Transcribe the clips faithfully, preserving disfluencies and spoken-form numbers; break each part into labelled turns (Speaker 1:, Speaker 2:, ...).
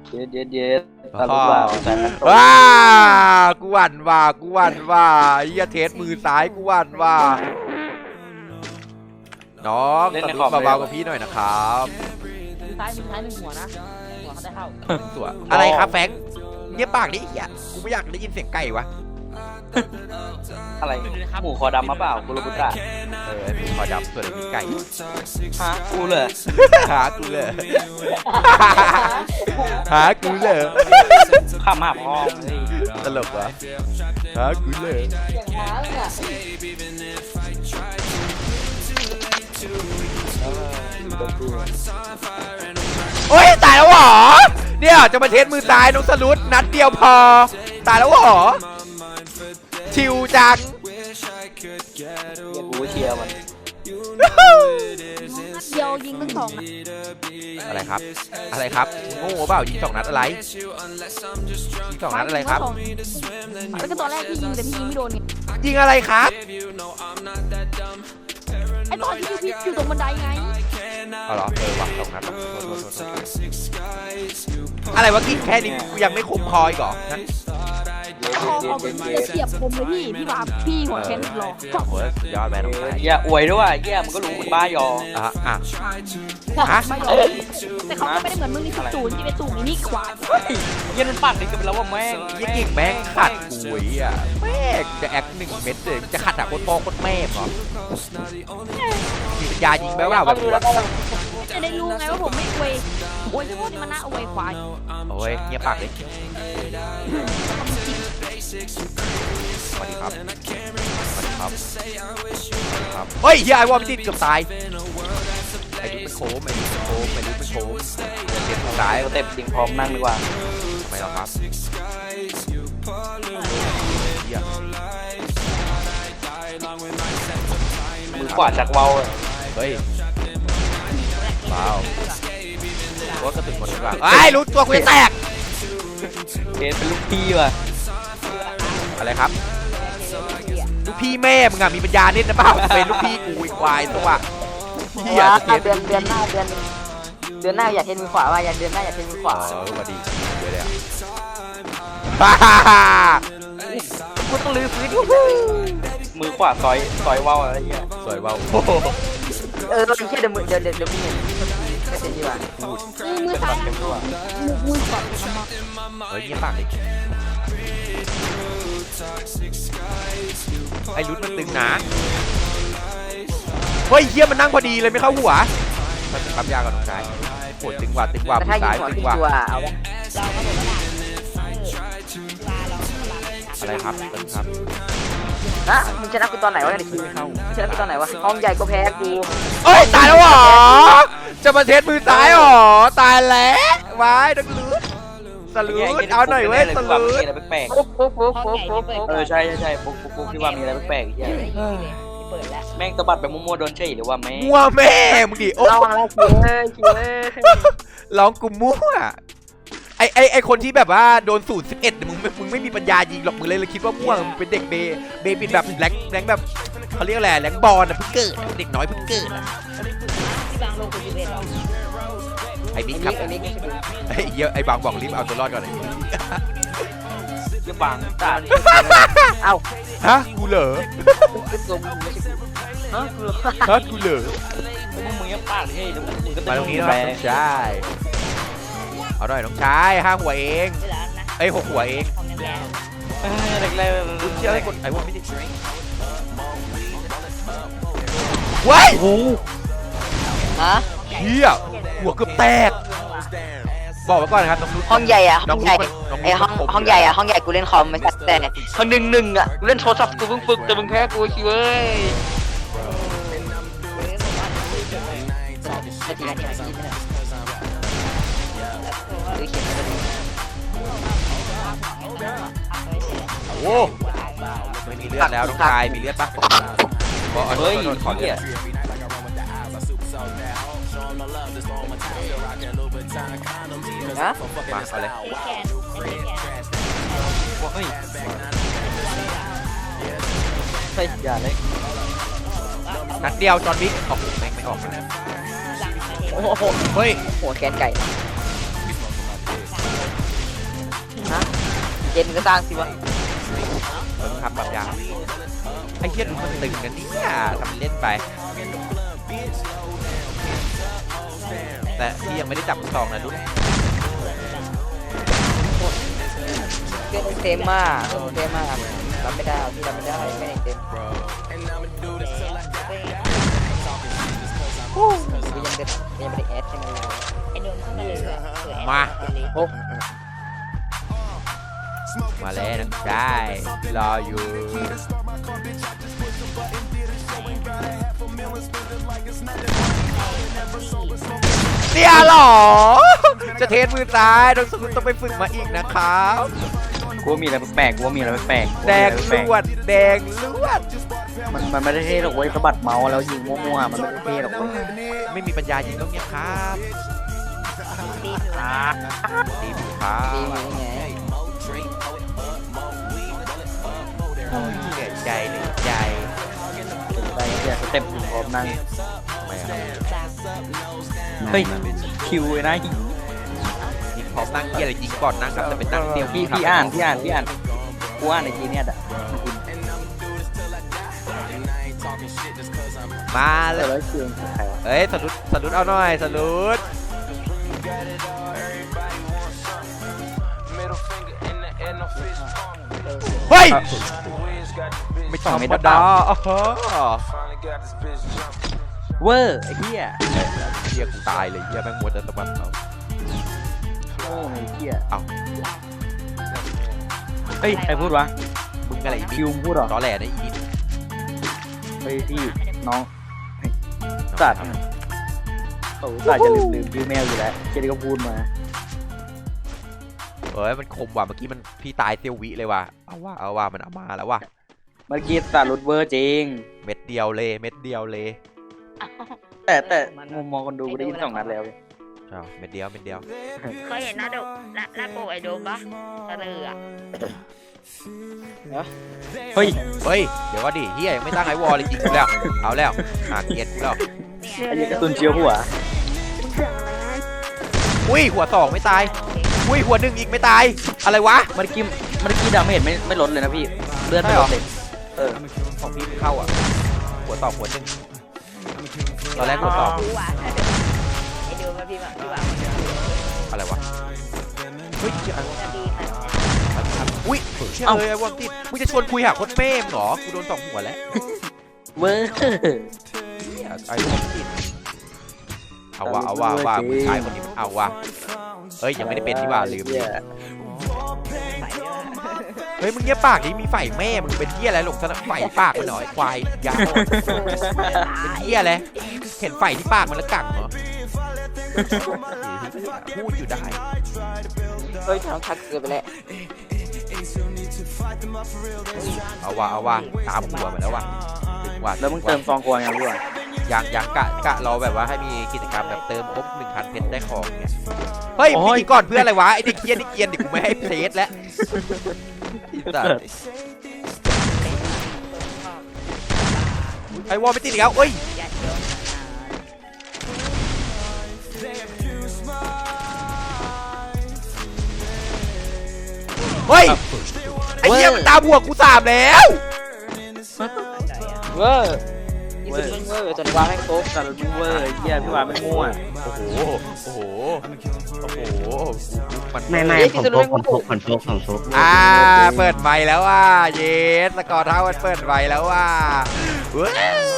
Speaker 1: เย็ดเย็ดเย็ด
Speaker 2: อ๋อ
Speaker 1: ตลกว่าแฟนกัน
Speaker 2: ว้ากูหวั่นว่ากูหวั่นว่าเฮียเทสมือซ้ายกูหวั่นว่าน้องตะลุกเบาๆกับพี่หน่อยนะครับ
Speaker 3: มือซ้ายมือซ้ายหนึ่งหัวนะหัวเขาได้เข้า
Speaker 2: ตัวอะไรครับแฟงเงียบปากดิเฮียกูไม่อยากได้ยินเสียงไก่วะ
Speaker 1: อะไรหมูคอดำมาเปล่ากุลบุตระ
Speaker 2: เออมีคอดำส่วนมีไก่
Speaker 1: ฮะกูเลย
Speaker 2: หากูเลยหากูเลย
Speaker 1: ข้ามหาพ่อเฮ้ย
Speaker 2: ตลกวะหากูเลย
Speaker 3: อย่างน้ำอ่ะ
Speaker 2: โอ้ยตายแล้วเหรอเนี่ยจะมาเทสมือซ้ายน้องสลุดนัดเดียวพอตายแล้วเหรอชิวจัง
Speaker 1: กูเชียร์มัน
Speaker 3: เดียวยิงทั้งสอง
Speaker 2: อะไรครับอะไรครับโง่เปล่ายิงสองนัดอะไรยิงสองนัดอะไรครับ
Speaker 3: แล้วก็ตอนแรกที่ยิงแต่พี่ยิงไม่โดนเนี่ย
Speaker 2: ยิงอะไรครับ
Speaker 3: ไอตอนที่พี่อยู่ตรงบันไดไง
Speaker 2: เอาเหรอเออว่ะสองนัดอะไรวะกินแค่นี้กูยังไม่คุ้มคออีกเหรอนั้น
Speaker 3: คอคอเป็นเสียบคมเลยพี่พี่มาพี่หัวแขนหลอก
Speaker 2: โอ้ยสุดยอดแม่น้องชาย
Speaker 1: เหี้ยอวยด้วยว่ะเหี้ยมันก็รู้มึงบ้ายอ
Speaker 2: อ่ะอ่ะ
Speaker 3: ไม่หรอกแต่เขาก็ไม่ได้เหมือนมึงนี่คือตูนที่เป็นตูนนี่ควาย
Speaker 1: เหี้ยมันปากดีกันไปแล้วว่าแม่ง
Speaker 2: ยี่กิ่งแม่งขัดกุยอ่ะแม่งจะแอคหนึ่งเม็ดเลยจะขัดหาโคตรพ่อโคตรแม่เหรอมีปัญญายิงไหมว่าแบบ
Speaker 3: จะได้รู้ไงว่าผมไม่อวยอวยพวกนี้มันน่าอวยควาย
Speaker 2: โอ้ยเงียบปากเลยสวัสดีครับสวัสดีครับสวัสดีครับเฮ้ยเฮียไอ้วอลไม่ติดเกือบตายไอ้ดูเป็นโค้งไอ้ดูเป็นโค้งไอ้ดูเป็นโค้งเดี๋ยวเตรียมทางซ้าย
Speaker 1: เต็มจริงพร้อมนั่งดีกว่า
Speaker 2: ทำไมล่ะครับเฮีย
Speaker 1: มือขวาจากเว้าเลย
Speaker 2: เฮ้ยว้าวว่ากระตุกคนดีกว่าไอ้รู้ตัวกูจะแตก
Speaker 1: เกณฑ์เป็นลูกพี่ว่ะ
Speaker 2: อะไรครับลูกพี่แม่มึงอะมีปัญญาเล่นนะเปล่าเป็นลูกพี่กูอีควายตัวเฮีย
Speaker 4: เดือนเดือนหน้าเดือนเดือนหน้าอยากเทนมือขวาว่าอยากเดือนหน้าอยากเทนมือขวา
Speaker 2: เออมาดีเดี๋ยวเลยอ่ะ
Speaker 4: กูต้องลื้อฟื้น
Speaker 1: มือขวาซอยซอยเว้าอะไรเงี้ย
Speaker 2: สวยเบา
Speaker 4: เออไม่ใช่เดี๋ยวมือเดี๋ยวเดี๋ยวเดี๋ยวมึงเห็นไม่เสร็จดีกว่า
Speaker 3: มือมือซ้ายมือมือก่อนทำมา
Speaker 2: เฮ้ยเงียบปากดิไอ้รุดมันตึงนะเฮ้ยเฮียมันนั่งพอดีเลยไม่เข้าหัวมันเป็นความยากกับน้องชายปวดตึงกว่าตึงกว่า
Speaker 4: แต่
Speaker 2: มื
Speaker 4: ถ้า
Speaker 2: อ
Speaker 4: ยิ
Speaker 2: ซ้าง ย
Speaker 4: หัว
Speaker 2: ตึง
Speaker 4: ที่
Speaker 2: กว่า
Speaker 4: ตัวเอาวะ
Speaker 2: อะไรครับตึงครับ
Speaker 4: นะมึงชนะกูตอนไหนวะเนี่ยคิวมึงชนะกูตอนไหนวะห้องใหญ่ก็แพ้กู
Speaker 2: เอ้ยตายแล้วเหรอจะมาเทสมือซ้ายเหรอตายแล้ววายดังลุดสลุดเอาหน่อยเว้ยสลุด
Speaker 1: มีอะไรแปลก
Speaker 4: ปุ๊บปุ๊บปุ๊บปุ๊บปุ๊บปุ๊บ
Speaker 1: ๆเออใช่ใช่ใช่ปุ๊กปุ๊กปุ๊กที่ว่ามีอะไรแปลกๆเหี้ย
Speaker 3: เปิดแล้ว
Speaker 1: แม่งตะบัดไปมั่วๆโดนเฉยหรือว่าแม่ง
Speaker 2: มั่วแม่มึงดิโอ้
Speaker 4: ระวังแล้วคิวเอ้ยคิวเอ้ย
Speaker 2: ร้องกูมั่วไอไอไอคนที่แบบว่าโดนสูตรสิบเอ็ดมึงมึงไม่มีปัญญายิงหรอกมึงเลยเลยคิดว่ามั่วมึงเป็นเด็กเบเบบินแบบแรงแรงแบบเขาเรียกอะไรแรงบอลนะเพิ่งเกิดเด็กน้อยเพิ่งเกิด
Speaker 3: ที่บางโลกคุณยูเวนหรอ
Speaker 2: ไอบิ๊กครับ
Speaker 4: ไอ้นี่
Speaker 2: ไอเยอะไอบางบอกรีบเอาตัวรอดก่อนเลย
Speaker 1: เหี้ยบังตา
Speaker 4: เอ้า
Speaker 2: ฮะกูเหรอ
Speaker 4: คือตัวมึงไม่ใช่กูฮะกู
Speaker 2: ฮะกูเหรอ
Speaker 1: มึงมึงยังปากเฮ้ยแล้วมึงก็
Speaker 2: มาตรงนี้หน่
Speaker 1: แป
Speaker 2: อย
Speaker 1: ล
Speaker 2: น้องชายเอาหน่อยน้องชายห้าหัวเอง
Speaker 3: ไม่ร้านนะ
Speaker 2: ไอยหกหัวเอง
Speaker 3: ของแรง
Speaker 1: แรก
Speaker 2: กู
Speaker 1: ๆ
Speaker 2: เชื่อไอ้คนไอ้พวกไม่ได้เว้ย
Speaker 4: ฮะ
Speaker 2: เฮียหัวเกือบแตกบอกไว้ก่อนนะครับน้องนุช
Speaker 4: ห้องใหญ่อะห้องใหญ่
Speaker 2: น้องนุช
Speaker 4: ไอห้องห้องใหญ่อะห้องใหญ่กูเล่นคอมไม่สักแต่ห้องหนึ่งหนึ่งอะกูเล่นโทรศัพท์กูเพิ่งฝึกแต่มึงแพ้กูคิวเอ้ยนาทีนาทีนาทีหรือเขียนอะไรดี
Speaker 2: โอ้ไม่มีเลือดแล้วน้องชายมีเลือดปะบอกเอา
Speaker 1: เฮ้ย
Speaker 2: โดนขอเลือ
Speaker 1: เหี้ย
Speaker 2: ด
Speaker 4: นะ
Speaker 2: มาเอาเลย
Speaker 1: เฮ้ยใช่อย่าเลย
Speaker 2: นัดเดียวจอห์นวิกออกแม่งไม่ออกนะ
Speaker 4: โอ้โห
Speaker 2: เฮ้ย
Speaker 4: หัวแกนไก่จนมึงก็สร้างสิวะ
Speaker 2: เออทำแบบอย่างไอ้เหี้ยดูมันตึงกันเนี่ยทำเล่นไป แต่พี่ยังไม่ได้จับซองนะลูก
Speaker 4: เพื่อนเต็มมากเพื่อนเต็มมากรับไม่ได้พี่รับไม่ได้ไม่ได้เต็มกูยังเด็ดยังไม่ได้แอดใช่ไหม
Speaker 3: ไอ้โดนเข้ามาเลยอะสวย
Speaker 2: มา
Speaker 4: โอ้
Speaker 2: มาแล้วนะได้รออยู่เนี่ยหรอจะเทสมือซ้ายต้องต้องไปฝึกมาอีกนะครับ
Speaker 1: กูว่ามีอะไรแปลกกูว่ามีอะไรแปลก
Speaker 2: แดงลวดแดงลวด
Speaker 1: มันมันไม่ได้เท่หรอกเว้ยสะบัดเมาส์แล้วยิงมั่วๆมันไม่ได้เท่หรอกเว้ย
Speaker 2: ไม่มีปัญญายิงต้องเนี้ยครับ
Speaker 3: ดีอยู่
Speaker 1: อ่า
Speaker 2: ดีมครับ
Speaker 4: ดีมั้ยไง
Speaker 2: เหนื่อยใจเหนื่อยใจ
Speaker 1: ไปเนี่ยสเต็ปพร้อมนั่ง
Speaker 2: ไม่เอา
Speaker 1: เฮ้ยคิวไอ้นะ
Speaker 2: ยิงพร้อมนั่งเกียร์อะไรยิงก่อนนั่งครับแต่เป็นนั่งเซียว
Speaker 1: พี่พี่อ่านพี่อ่านพี่อ่านกูอ่านในจีเนี่ยอ่ะ
Speaker 2: มาเล
Speaker 1: แต่
Speaker 2: ย
Speaker 1: แล้วคิวใครวะ
Speaker 2: เฮ้ยสลุดสลุดเอาหน่อยสลุดเฮ้ยไม่ธรรมดาอ๋อ
Speaker 1: เวอร์ไอ้เหี้ย
Speaker 2: เฮียกูตายเลยเฮียแม่งหมดแต่ตะวันเอา
Speaker 1: โอ้ไอ้เหี้ย
Speaker 2: เอา
Speaker 1: เฮ้ยใครพูดวะ
Speaker 2: มึงอะไรอี
Speaker 1: คิวพูดเหรอ
Speaker 2: ตอแหลนะอีนิด
Speaker 1: เฮ้ยพี่น้องสัตว์โอ้สัตว์จะลืมลืมชื่อแมวอยู่แล้วเจนี่ก็พูดมา
Speaker 2: เฮ้ยมันคมว่ะเมื่อกี้มันพี่ตายเซียววิเลยว่ะเอาว่ะเอาว่ะมันเอามาแล้วว่ะ
Speaker 1: เมื่อกี้สัตว์รุดเวอร์จริง
Speaker 2: เม็ดเดียวเลยเม็ดเดียวเลย
Speaker 1: แต่แต่มุมมองคนดูกูได้ยินสองนัดแล้ว
Speaker 2: ใช่เม็ดเดียวเม็ดเดียว
Speaker 3: เคยเห็นหน้าโดหน้าหน้าโปไอ้โดมปะตะเลืออะ
Speaker 1: เฮ้ย
Speaker 2: เฮ้ยเดี๋ยวก็ดิเฮียยังไม่ตั้งไอวอลเลยจริงกูแล้วเอาแล้วหาเกียร์กูแล้ว
Speaker 1: ไอ้เหี้ยกระตุนเชียวหัว
Speaker 2: อุ้ยหัวสองไม่ตายอุ้ยหัวหนึ่งอีกไม่ตายอะไรวะ
Speaker 1: เมื่อกี้เมื่อกี้ดาเมจไม่ไม่ลดเลยนะพี่เลือดไม่ลดเลยเออ
Speaker 2: ของพี่เข้าอ่ะหัวสองหัวหนึ่งตอนแรกหัวสอง
Speaker 3: รู้ว่ะไอ้โดมมาพี่ว่าพี่ว่า
Speaker 2: อะไรวะเฮ้ยเชี่ย
Speaker 3: จะดีค่ะ
Speaker 2: อุ้ยเชี่ยเลยไอ้วงติดมึงจะชวนคุยหาโคตรเป้มเหรอกูโดนสองหัวแล้ว
Speaker 1: เวอร์
Speaker 2: เนี่ยไอ้วงติดเอาว่ะเอาว่ะว่ามึงชายคนนี้มันเอาว่ะเอ้ยยังไม่ได้เป็นที่ว่าลืม
Speaker 1: เหี้ย
Speaker 3: ใส่ด้วย
Speaker 2: เฮ้ยมึงเงียบปากดิมีไฟแม่มึงเป็นเหี้ยอะไรหลงสนับไฟปากมันหน่อยควายยาวเป็นเหี้ยอะไรเห็นไฟที่ปากมันแล้วกังเหรอพูดอยู่ได้
Speaker 4: เฮ้ยน้องทักเกินไปแล้ว
Speaker 2: เอาว่ะเอาว่ะตามหัวมาแล้วว่ะถึงว่ะ
Speaker 1: แล้วมึงเติมซองกวางยังพี่วะ
Speaker 2: ยังยังกะกะเราแบบว่าให้มีกิจกรรมแบบเติมครบหนึ่งพันเพชรได้ของเนี่ยเฮ้ยพี่ก่อนเพื่ออะไรวะไอเด็กเกียนเด็กเกียนเด็กกูไม่ให้เพชรแล้วไอวอลไม่ติดอีกแล้วเอ้ย
Speaker 3: อย่าเชื่อ
Speaker 2: เฮ้ยไอเหี้ยมันตามหัวกูสามแล้ว
Speaker 4: เวอร์อีสุดมึงเวอร์จนวางแม่งโต๊ะ
Speaker 1: สัตว์รุดเวอร์ไอ้เหี้ยพี่วาไม่มั่ว
Speaker 2: โอ้โหโอ้โหโอ้โหมัน
Speaker 5: ไม่ไม่ผมพกผมพกผมพกผมพก
Speaker 2: อ่าเปิดไมค์แล้วว่าเยสสกอร์เท่ามันเปิดไมค์แล้วว่าว้าว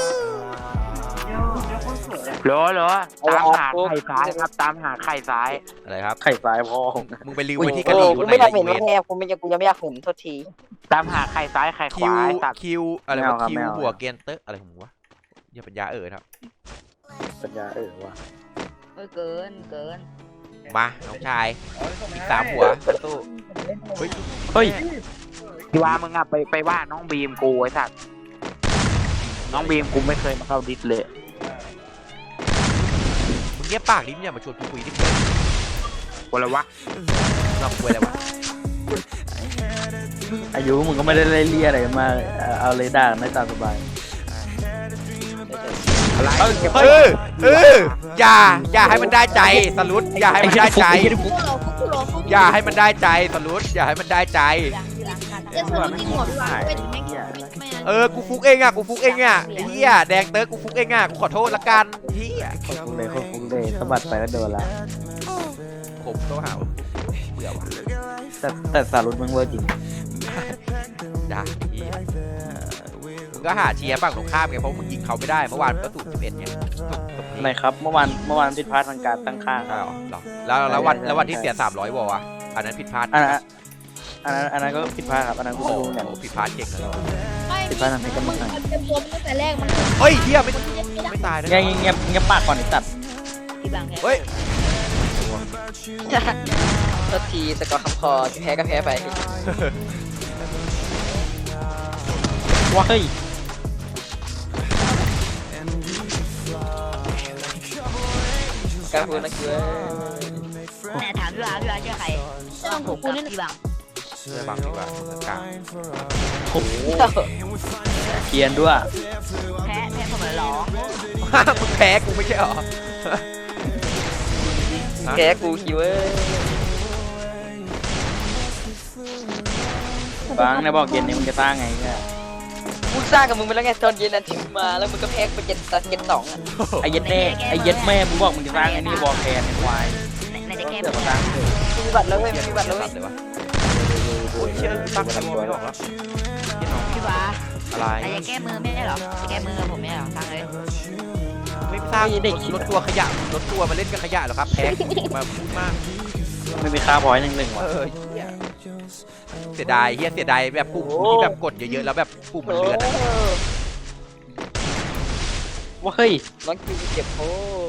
Speaker 6: เหรอเหรอตามหาไข่ซ้ายครับตามหาไข่ซ้าย
Speaker 2: อะไรครับ
Speaker 1: ไข่ซ้ายพ่อ
Speaker 2: มึงไปรีวิว
Speaker 1: อุ้ย
Speaker 2: ไว้ที่
Speaker 4: โอ้
Speaker 2: กะหรี่ค
Speaker 4: กู
Speaker 2: นไหน
Speaker 4: ไม่อยาก
Speaker 2: อี
Speaker 4: เห็น
Speaker 2: เว
Speaker 4: ว่าน แม่กูไม่กูยังไม่อยากเห็นโทษที
Speaker 6: ตามหาไข่ซ้ายไข่ข
Speaker 2: คิว
Speaker 6: วาตัด
Speaker 2: คิวอะไรวะคิวหัวเกนเตอร์อะไรของมึงวะอย่าปัญญาเอ่ยครับ
Speaker 1: ปัญญาเออว่ะ
Speaker 3: เออเกินเกิน
Speaker 2: มาน้องชายอีกสามหัวตู้เฮ้ย
Speaker 1: เฮ้ย
Speaker 6: พี่ว่ามึงอะไปไปว่าน้องบีมกูไอ้สัตว์น้องบีมกูไม่เคยมาเข้าดิสเลย
Speaker 2: มึงเงียบปากดิมึงอย่ามาชวนกูคุยดิ
Speaker 6: กูเลยวะ
Speaker 2: เราคุยอะไรวะ
Speaker 1: อายุมึงก็ไม่ได้เล่เลี่ยอะไรกันมากเลยเอาเอาเลยด่ากันได้ตามสบาย
Speaker 6: อะไร
Speaker 2: เออเอออย่าอย่าให้มันได้ใจสลุดอย่าให้มันได้ใจ
Speaker 3: พวกเราพวกกูรอเขา
Speaker 2: อย่าให้มันได้ใจสรุปอย่าให้มันได้ใจ
Speaker 3: จะสรุปจริงหมดพี่ว่าเป็นแม่งไม่
Speaker 2: เออกูฟุกเองอ่ะกูฟุกเองอ่ะไอ้เหี้ยแดงเติร์กกูฟุกเองอ่ะกูขอโทษละกันเหี้ย
Speaker 1: โคตรฟุ้งเลยโคตรฟุ้งเลยสะบัดไปก็โดนละ
Speaker 2: ผมต้องหาว่าเบื่อว่ะ
Speaker 1: แต่แต่สารุตมึงเวอร์จริง
Speaker 2: ด่าเหี้ยมึงก็หาเชียร์ฝั่งตรงข้ามไงเพราะมึงยิงเขาไม่ได้เมื่อวานก็สูสิบเอ็ดไง
Speaker 1: อะไรครับเมื่อวานเมื่อวานผิดพลาดทางการตั้งค่า
Speaker 2: ใช่หรอหรอแล้วแล้ววันแล้ววันที่เสียสามร้อยวอลอ่ะอันนั้นผิดพลาด
Speaker 1: อันนั้นอันนั้นอันนั้นก็ผิดพลาดครับอันนั้นกู
Speaker 2: โอ้
Speaker 1: ไม่รู้เหมือนกัน
Speaker 2: โหผิดพลาดเก่งเลย
Speaker 3: ไม่
Speaker 1: ผิดพลาดทางเทคนิค
Speaker 3: มึงมันเป็นตัวตั้งแต่แรกมัน
Speaker 2: เฮ้ยเหี้ยไม่ไม่ตายนะ
Speaker 1: เงียบเงียบเงียบปากก่อนไอ้สัตว์
Speaker 3: ที่บางแค่
Speaker 2: เฮ้ย
Speaker 4: โทษทีสกอร์คำคอแพ้ก็แพ้ไป
Speaker 1: ว้าเฮ้ย
Speaker 4: การพูดนะคือ
Speaker 3: แต่ถามพี่ว่าพี่ว่าเชื่อใครเชื่อผมกูนี่พี่บาง
Speaker 2: เชื่อบางดีกว่ามึงกลาง
Speaker 1: โอ้โหเกียนด้วย
Speaker 3: แพ้แพ้ผมเลยร้อง
Speaker 2: มึงแพ้กูไม่ใช่หรอ
Speaker 4: แพ้กูคิวเว้ย
Speaker 1: บางในบอกเย็นนี้มึงจะสร้างไงเนี่ย
Speaker 4: กูสร้างกับมึงไปแล้วไงตอนเย็นนั้นถึงมาแล้วมึงก็แพ้ไปเจ็ดตัดเจ็ดสองอ่ะ
Speaker 1: ไอ้เย็ดแม่ไอ้เย็ดแม่มึงบอกมึงจะสร้างไอ้นี่วอลแคนไอ้ควาย
Speaker 3: ในในแก้
Speaker 1: เสือก
Speaker 3: ม
Speaker 1: มาสร้างเลย
Speaker 4: มีบัตรแล้วเว้ยมีบัตรแล้วเว้ย
Speaker 2: เลยวะโอ้ยเชื่อตั้งตัวไม่ออกแล้ว
Speaker 3: พี่ว่า
Speaker 2: อะไร
Speaker 3: แต่จะแก้มือไม่ได้หรอจะแก้มือผมไม่ได้หรอฟังเลย
Speaker 2: ไม่สร้างเด็กรถตัวขยะรถตัวมาเล่นกับขยะเหรอครับแพ้มาพูดมาก
Speaker 1: ไม่มีค่าพอยต์หนึ่งหนึ่ง
Speaker 2: เอ
Speaker 1: ว่ะ
Speaker 2: อเสียดายเฮียเสียดายแบบปุ่มที่แบบกดเยอะๆแล้วแบบปุ่มมันเลือนอะ
Speaker 1: ว่าเฮ้ย
Speaker 4: น้องคิวเจ็บโอ้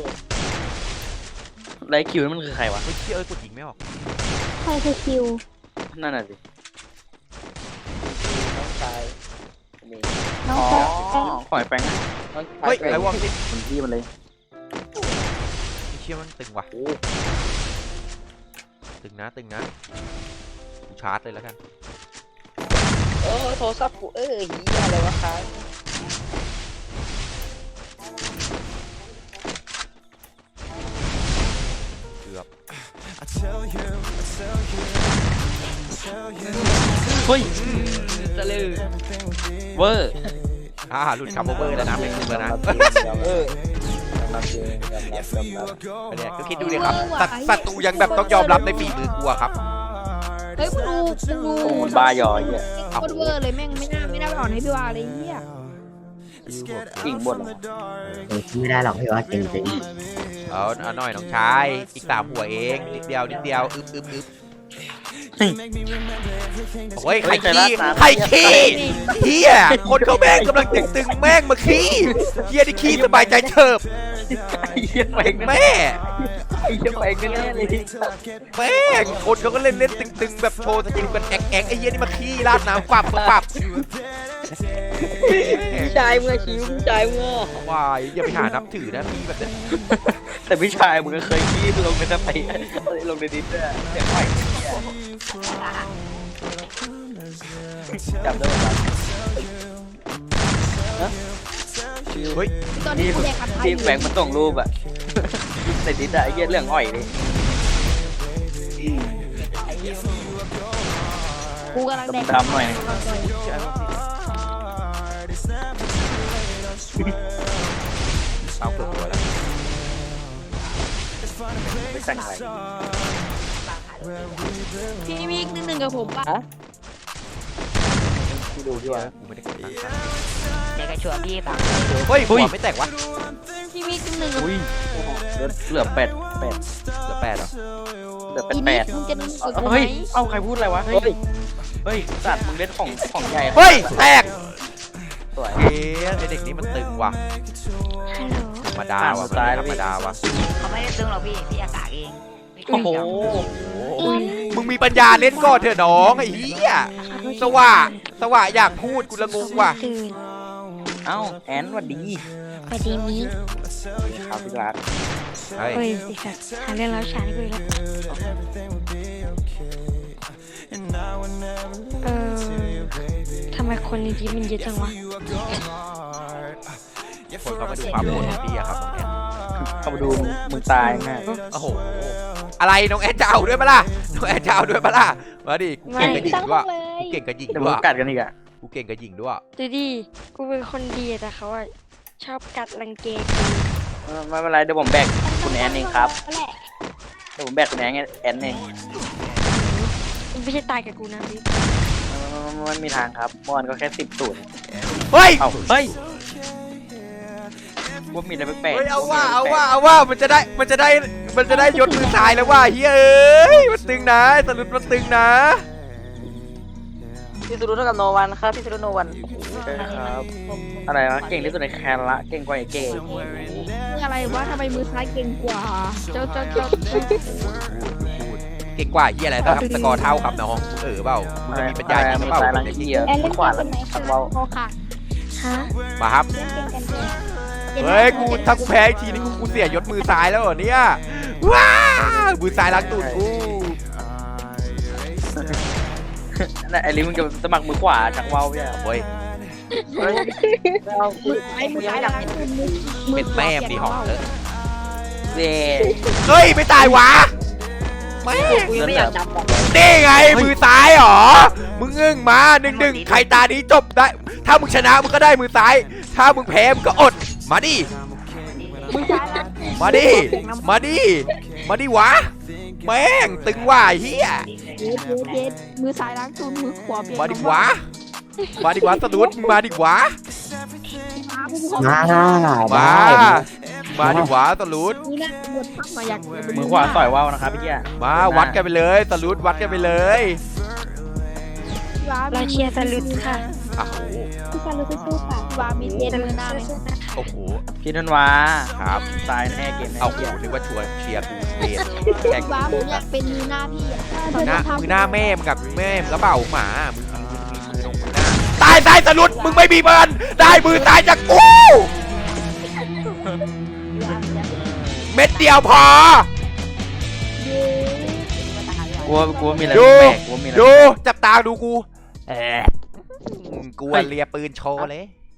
Speaker 1: ไรคิวนั่นมันคือใครวะ
Speaker 2: เฮ้ยเชี่ยเอ้ยกดยิงไม่ออก
Speaker 3: ใครคือคิว
Speaker 1: นั่นน่ะสิ
Speaker 4: น้องชาย
Speaker 3: น้อง
Speaker 1: อ๋อ
Speaker 3: แป๊ะ
Speaker 1: ขอยแปง
Speaker 4: น้องชาย
Speaker 2: เฮ้ยอะไรวะพี่
Speaker 1: คนที่มันเลย
Speaker 2: ไอ้เชี่ยมันตึงว่ะตึงนะตึงนะกูชาร์จเลยแล้วกัน
Speaker 4: โอ้โทรศัพท์กูเอ้ยเหี้ยอะไรวะครับ
Speaker 2: เกือบ
Speaker 1: เฮ้ย
Speaker 4: จะลือ
Speaker 1: เวอร์
Speaker 2: อ่าหลุดคำโอเวอร์แล้วนะไม่ถูกแล้วนะ
Speaker 4: เออ
Speaker 2: เนี่ยก็คิดดูดิครับศัตศัตรูยังแบบต้องยอมรับในฝีมือกูอะครับ
Speaker 3: เฮ้ยมึงดูมึงดู
Speaker 1: โอ้โหบาหยอเหี้ย
Speaker 3: โคตรเวอร์เลยแม่งไม่น่าไม่น่าไปอ่อนให้พี่ว่าเลยเฮีย
Speaker 1: กิ่งบนเหรอ
Speaker 5: เออไม่ได้หรอกพี่ว่าจริงจริง
Speaker 2: เอาเอาหน่อยน้องชายอีกสามหัวเองนิดเดียวนิดเดียวอึ๊บอึ๊บอึ๊บโอ้ยไข่ขี้ไข่ขี้เฮียคนเขาแม่งกำลังตึงๆแม่งมาขี้เฮียได้ขี้สบายใจเฉิบ
Speaker 1: ไอ้เหี้ยแปง
Speaker 2: แม่
Speaker 1: ไอ้เหี้ยแปงแน่ๆเลย
Speaker 2: แม่งคนเขาก็เล่นเล่นตึงๆแบบโชว์สกิลกันแอกแอกไอ้เฮียนี่มาขี้ราดน้ำปับปับ
Speaker 4: พี่ชายเมื่อคิวพี่ชายเมื่อ
Speaker 2: วายอย่าไปหานับถือนะพี่แบบเนี้ย
Speaker 1: แต่พี่ชายมึงก็เคยขี้ลงในน้ำไปลงในดินด้วยเสียงไหวจำได้ไหม
Speaker 2: เฮ้ย
Speaker 3: ตอนนี้
Speaker 1: ที่
Speaker 3: กูแดกผัดไทย
Speaker 1: ที่
Speaker 3: อยู่
Speaker 1: แบงค์มันส่งรูปอะใส่ดินอะไอ้เหี้ยเรื่องอ่อยดิ
Speaker 3: กูกำลังแดก
Speaker 1: ดำๆหน่อย
Speaker 2: เอาเกือบตัวแล้ว
Speaker 1: ไม่แต่งอะไร
Speaker 3: พี่มีอีกนิดนึงกับผมป่ะ
Speaker 1: ที่ดูที่ว่า
Speaker 2: กูไม่ได้กดตังค์
Speaker 3: เดี๋ยวกระชัวพี่ป่ะ
Speaker 2: เฮ้ยหัวไม่แตกวะ
Speaker 3: พี่มีอีกนิดนึงกับ
Speaker 1: อุ้ยเหลือเหลือแปดแปด
Speaker 2: เหลือแปดเหรอ
Speaker 1: เหลือแปด
Speaker 3: อี
Speaker 1: แป
Speaker 3: นี่
Speaker 1: ด
Speaker 3: มึงจะนึกกับกูไหม
Speaker 1: เฮ้ยเอ้าใครพูดอะไรวะเฮ้ยเฮ้ยสัตว์มึงเล่นของของใหญ่
Speaker 2: เฮ้ยแตก
Speaker 1: สวย
Speaker 2: เอ๊ะไอเด็กนี้มันตึงว่ะ
Speaker 3: ฮัลโหล
Speaker 2: ธรรมดาว่ะมันธรรมดาว่ะ
Speaker 3: เขาไม่ได้ตึงหรอกพี่พี่อากาศเอง
Speaker 1: โอ้โห
Speaker 2: โอ้ยมึงมีปัญญาเล่นก่อนเถอะน้องไอ้เหี้ยสว่าสว่าอยากพูดกูละงงว่ะ
Speaker 3: ตื่น
Speaker 1: เอ้าแอนสวัสดี
Speaker 3: สวัสดีมิก
Speaker 1: ครับพี่รัก
Speaker 2: เฮ้ย
Speaker 3: เฮ้ยสิครับหาเรื่องแล้วฉันคุยแล้วเออทำไมคนในที่มันเยอะจังวะ
Speaker 2: คนเขามาดูความโหดของพี่อะครับตรงเนี้ย
Speaker 1: เข้ามาดูมึงตายง่าย
Speaker 2: โอ้โหอะไรน้องแอนจะเอาด้วยปะล่ะน้องแอนจะเอาด้วยปะล่ะมาดิกู
Speaker 3: ไม่
Speaker 2: เก่งกับหญิ
Speaker 3: ตั้
Speaker 2: ง
Speaker 3: ง
Speaker 2: ด้วย
Speaker 3: เลย
Speaker 2: กูเก่งกับหญิง
Speaker 1: เดี๋ยว
Speaker 2: ด้
Speaker 1: มึ
Speaker 2: ว
Speaker 1: ง
Speaker 2: ย
Speaker 1: กัดกันอีกอะ
Speaker 2: กูเก่งกับหญิงด้วย
Speaker 7: ดูดิ กูเป็นคนดีแต่เขาอะชอบกัดรังเกง
Speaker 1: เออไม่เป็นไรเดี๋ยวผมแบกคุณแอนเองครับ
Speaker 3: นั่นแหละ
Speaker 1: เดี๋ยวผมแบกคุณแอนแอนเอง
Speaker 7: มึงไม่ใช่ตายกับกูนะบิ๊ก
Speaker 1: ไม่มีทางครับเมื่อวานก็แค่สิบศูนย์
Speaker 2: เฮ้ย
Speaker 1: เอ้าเฮ้ยว่ามีอะไรแปลก
Speaker 2: เฮ้ย
Speaker 1: ๆ
Speaker 2: เอาว่า
Speaker 1: มีะ
Speaker 2: เอา
Speaker 1: ไรแปล
Speaker 2: ว่าก เอาว่ามันจะได้มันจะได้มันจะได้ยศมือซ้ายแล้วว่าเฮ้ยเอ้ยมันตึงนะสรุปมันตึงนะ
Speaker 4: พี่สุรุเท่ากับโนวันครับพี่สุรุโนวัน
Speaker 1: ๆใช่ครับอะไรวะเก่งที่สุดในแคนละเก่งกว่าไอ้เก่ง
Speaker 3: อะไรวะทำไมมือซ้ายเก่งกว่า เจ้าเจ้าเจ้า
Speaker 2: เก่งกว่าเฮียอะไรนะครับสกอร์เท่าครับน้องเออเปล่ามึงจะมีปัญญาจริงหรือเปล่า
Speaker 1: สายลังเกียร์
Speaker 3: แอนเล่น
Speaker 1: ขวา
Speaker 3: เก
Speaker 1: ลั
Speaker 3: ม
Speaker 1: ง
Speaker 3: ไหน
Speaker 1: ทังเว้า
Speaker 3: โอค่ะ
Speaker 7: ฮะ
Speaker 2: มาครับ
Speaker 3: เล่นเกมกันเลย
Speaker 2: เฮ้ยกูถ้ากูแพ้อีกทีนี่กูกูเสียยศมือซ้ายแล้วเหรอเนี่ยว้ามือซ้ายล้างตูดกู
Speaker 1: นั่นไอ้ลิมึงจะสมัครมือขวาจากเว้าพี่อะ
Speaker 2: โอ้ย
Speaker 1: เฮ้ย
Speaker 3: มือซ้ายมือซ้ายหลังมือมือ
Speaker 2: เป็นแม่มดีหอมเถอะ
Speaker 1: เว่
Speaker 2: เฮ้ยไม่ตายวะแม่ง
Speaker 4: กูยังไม่อยากจำบอก
Speaker 2: นี่ไงมือซ้ายเหรอมึงอึ้งมาหนึ่งหนึ่งใครตานี้จบได้ ถ้ามึงชนะมึงก็ได้มือซ้าย ถ้ามึงแพ้มึงก็อดมาดิ
Speaker 3: มือซ้ายหลัง
Speaker 2: มาดิมาดิมาดิวะแม่งตึงว่ะเฮีย
Speaker 3: เย็ดเย็ดเย็ดมือซ้ายล้างตูนมือขวาเปลี่ยน
Speaker 2: มาดิวะมาดิวะสะดุดมึงมาดิวะ
Speaker 3: มาผู้ปกครอง
Speaker 5: มา
Speaker 2: มา
Speaker 5: ได้
Speaker 2: มาดิวะสะดุด
Speaker 3: นี่นะบทพักมาอยาก
Speaker 1: มือขวาต่อยเว้านะครับพี่เกี้ย
Speaker 2: มาวัดกันไปเลยสะดุดวัดกันไปเลย
Speaker 7: เราเชียร์สลุดค่ะ
Speaker 2: อ้าวโห
Speaker 3: พี่ซาลูสู้ๆค่ะวามีเย็นมือหน้าไหม
Speaker 2: โอ้โห
Speaker 1: พี่นันวา
Speaker 2: ครับ
Speaker 1: ตายแน่เกมนี้
Speaker 2: เอาโหนึกว่าชวนเชียร์กูเรียนแข่ง
Speaker 3: วามึงอยากเป็นมือหน้าพี่อ่ะ
Speaker 2: มือหน้ามือหน้าแม่มึงกับแม่มึงก็เปล่าหมามึงมึงมีมือตรงมือหน้าตายตายสะดุดมึงไม่มีเบิร์นได้มือตายจากกูเม็ดเดียวพอก
Speaker 1: ลัวกลัวมีอะไร
Speaker 2: ดู
Speaker 1: แปลกๆกลัวมีอะไร
Speaker 2: ดูจับตาดูกูเออกูอะเลียปืนโชว์เลย